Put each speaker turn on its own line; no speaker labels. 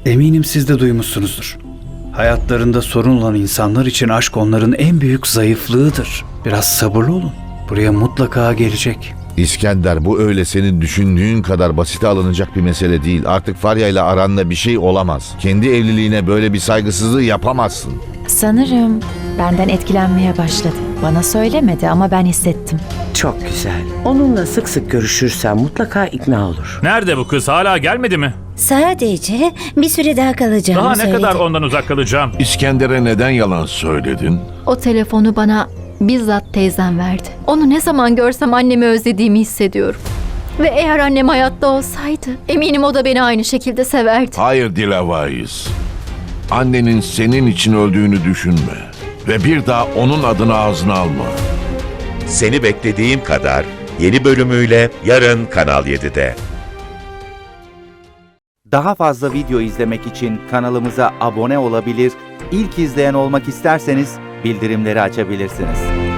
Eminim siz de duymuşsunuzdur. Hayatlarında sorun olan insanlar için aşk onların en büyük zayıflığıdır. Biraz sabırlı olun. Buraya mutlaka gelecek.
İskender, bu öyle senin düşündüğün kadar basite alınacak bir mesele değil. Artık Farya ile aranda bir şey olamaz. Kendi evliliğine böyle bir saygısızlığı yapamazsın.
Sanırım benden etkilenmeye başladı. Bana söylemedi ama ben hissettim.
Çok güzel. Onunla sık sık görüşürsen mutlaka ikna olur.
Nerede bu kız? Hala gelmedi mi?
Sadece bir süre daha kalacağımı
Daha ne
söyledi.
kadar ondan uzak kalacağım?
İskender'e neden yalan söyledin?
O telefonu bana bizzat teyzem verdi. Onu ne zaman görsem annemi özlediğimi hissediyorum. Ve eğer annem hayatta olsaydı eminim o da beni aynı şekilde severdi.
Hayır Dilavayız. Annenin senin için öldüğünü düşünme. Ve bir daha onun adını ağzına alma.
Seni Beklediğim Kadar yeni bölümüyle yarın Kanal 7'de.
Daha fazla video izlemek için kanalımıza abone olabilir, ilk izleyen olmak isterseniz bildirimleri açabilirsiniz.